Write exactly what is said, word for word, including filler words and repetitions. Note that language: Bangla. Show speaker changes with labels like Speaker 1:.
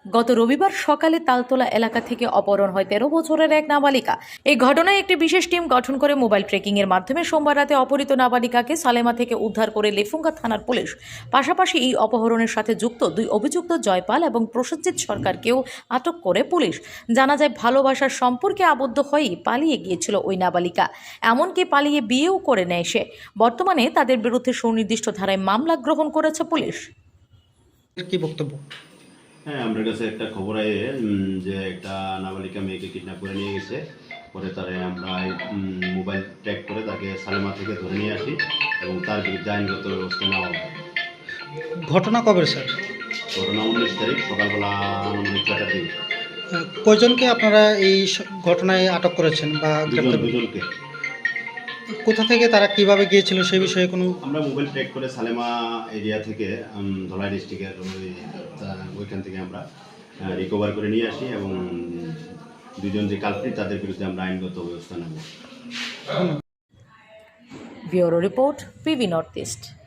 Speaker 1: গত রবিবার সকালে তালতলা এলাকা থেকে অপহরণ হয় তেরো বছরের এক নাবালিকা। এই ঘটনায় একটি বিশেষ টিম গঠন করে মোবাইল ট্রেকিং এর মাধ্যমে সোমবার রাতে অপহৃত নাবালিকাকে সালেমা থেকে উদ্ধার করে লেফুঙ্গা থানার পুলিশ। পাশাপাশি এই অপহরণের সাথে যুক্ত দুই অভিযুক্ত জয়পাল এবং প্রসেনজিৎ সরকারকেও আটক করে পুলিশ। জানা যায়, ভালোবাসার সম্পর্কে আবদ্ধ হয়েই পালিয়ে গিয়েছিল ওই নাবালিকা, এমনকি পালিয়ে বিয়েও করে নেয় সে। বর্তমানে তাদের বিরুদ্ধে সুনির্দিষ্ট ধারায় মামলা গ্রহণ করেছে পুলিশ।
Speaker 2: কি বক্তব্য?
Speaker 3: হ্যাঁ, আমার কাছে একটা খবর আয়ে যে একটা নাবালিকা মেয়েকে কিডন্যাপ করে নিয়ে গেছে। পরে তারে আমরা মোবাইল ট্র্যাক করে তাকে সালেমা থেকে ধরে নিয়ে আসি এবং তার বিরুদ্ধে আইনগত ব্যবস্থা নেওয়া হবে।
Speaker 2: ঘটনা কবে স্যার?
Speaker 3: ঘটনা উনিশ তারিখ সকালবেলা আনুমানিক ছয়টার দিকে।
Speaker 2: আহ, কয়জনকে আপনারা এই স- ঘটনায় আটক করেছেন বা
Speaker 3: দুজন
Speaker 2: গ্রেপ্তার?
Speaker 3: দুজনকে
Speaker 2: কোথা থেকে তারা কিভাবে গিয়েছিল সেই বিষয়ে কোনো?
Speaker 3: আমরা মোবাইল ট্র্যাক করে সালেমা এরিয়া থেকে উম, ধলাই ডিস্ট্রিক্টের ওই তা- ওইখান থেকে আমরা রিকভার করে নিয়ে আসি এবং দুজন যে কালপ্রিট তাদের বিরুদ্ধে আমরা আইনগত ব্যবস্থা নেব।
Speaker 1: Bureau report, PV north east.